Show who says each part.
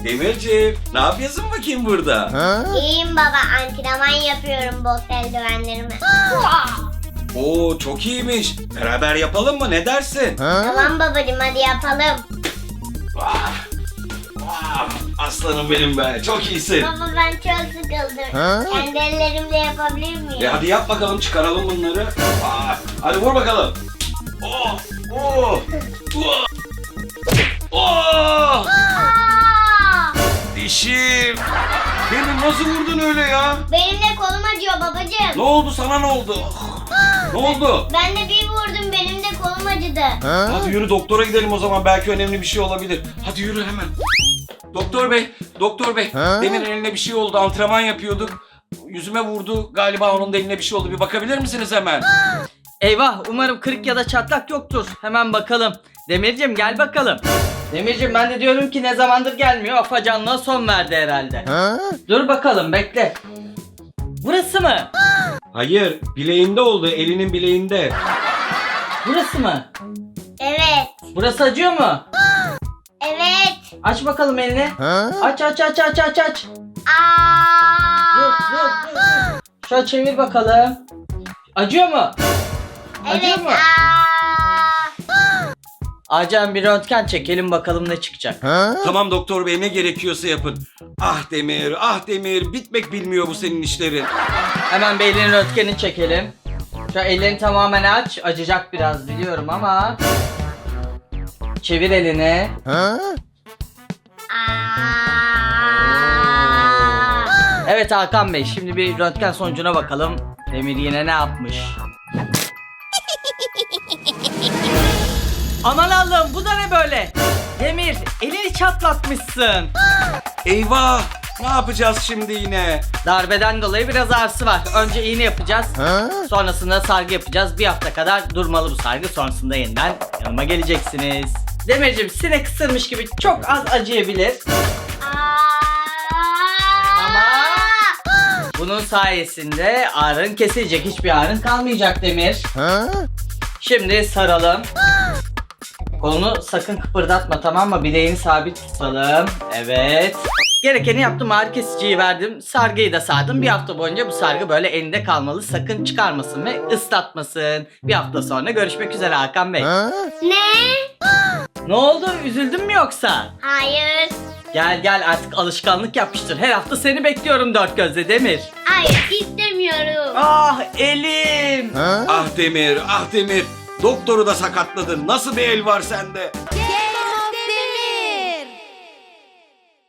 Speaker 1: Demirciğim, ne yapıyorsun bakayım burada?
Speaker 2: İyiyim baba, antrenman yapıyorum bot eldivenlerimi.
Speaker 1: Oo, çok iyiymiş. Beraber yapalım mı? Ne dersin?
Speaker 2: Tamam babacığım, hadi yapalım.
Speaker 1: Vah, vah, aslanım benim be. Çok iyisin.
Speaker 2: Baba ben çok sıkıldım. Kendi ellerimle yapabilir miyim?
Speaker 1: Hadi yap bakalım, çıkaralım bunları. Hadi vur bakalım. Oh, oh, oh, oh.
Speaker 2: Aa!
Speaker 1: Dişim. Beni nasıl vurdun öyle ya?
Speaker 2: Benim de kolum acıyor babacığım.
Speaker 1: Ne oldu sana, ne oldu? Ne oldu?
Speaker 2: Ben de bir vurdum, benim de kolum acıdı.
Speaker 1: Hadi yürü doktora gidelim o zaman, belki önemli bir şey olabilir. Hadi yürü hemen. Doktor bey, doktor bey. Demin eline bir şey oldu, antrenman yapıyorduk. Yüzüme vurdu, galiba onun da eline bir şey oldu. Bir bakabilir misiniz hemen?
Speaker 3: Eyvah, umarım kırık ya da çatlak yoktur. Hemen bakalım. Demircim gel bakalım. Demircim ben de diyorum ki ne zamandır gelmiyor. Afacanlığa son verdi herhalde. Dur bakalım, bekle. Burası mı?
Speaker 1: Hayır, bileğinde oldu, elinin bileğinde.
Speaker 3: Burası mı?
Speaker 2: Evet.
Speaker 3: Burası acıyor mu?
Speaker 2: Evet.
Speaker 3: Aç bakalım elini. Aç.
Speaker 2: Aa!
Speaker 3: Dur. Şöyle çevir bakalım. Acıyor mu? Acıyor
Speaker 2: Evet.
Speaker 3: mu? Acem bir röntgen çekelim bakalım ne çıkacak.
Speaker 1: Tamam doktor bey, ne gerekiyorsa yapın. Ah Demir, ah Demir, bitmek bilmiyor bu senin işlerin.
Speaker 3: Hemen bir elinin röntgenini çekelim. Şu ellerini tamamen aç. Acıyacak biraz biliyorum ama. Çevir elini.
Speaker 2: Aa!
Speaker 3: Evet Hakan Bey, şimdi bir röntgen sonucuna bakalım. Demir yine ne yapmış? Aman Allah'ım, bu da ne böyle? Demir, elini çatlatmışsın.
Speaker 1: Eyvah, ne yapacağız şimdi yine?
Speaker 3: Darbeden dolayı biraz ağrısı var. Önce iğne yapacağız. Sonrasında sargı yapacağız. Bir hafta kadar durmalı bu sargı. Sonrasında yeniden yanıma geleceksiniz. Demirciğim, sinek ısırmış gibi çok az acıyabilir. Ama bunun sayesinde ağrın kesilecek. Hiçbir ağrın kalmayacak Demir. Şimdi saralım. Kolunu sakın kıpırdatma, tamam mı? Bileğini sabit tutalım. Evet. Gerekeni yaptım, ağrı kesiciyi verdim. Sargıyı da sardım. Bir hafta boyunca bu sargı böyle elinde kalmalı. Sakın çıkarmasın ve ıslatmasın. Bir hafta sonra görüşmek üzere Hakan Bey.
Speaker 2: Ne?
Speaker 3: Ne oldu? Üzüldün mü yoksa?
Speaker 2: Hayır.
Speaker 3: Gel artık alışkanlık yapmıştır. Her hafta seni bekliyorum dört gözle Demir.
Speaker 2: Hayır, istemiyorum.
Speaker 3: Ah elim.
Speaker 1: Ah Demir, ah Demir. Doktoru da sakatladın. Nasıl bir el var sende?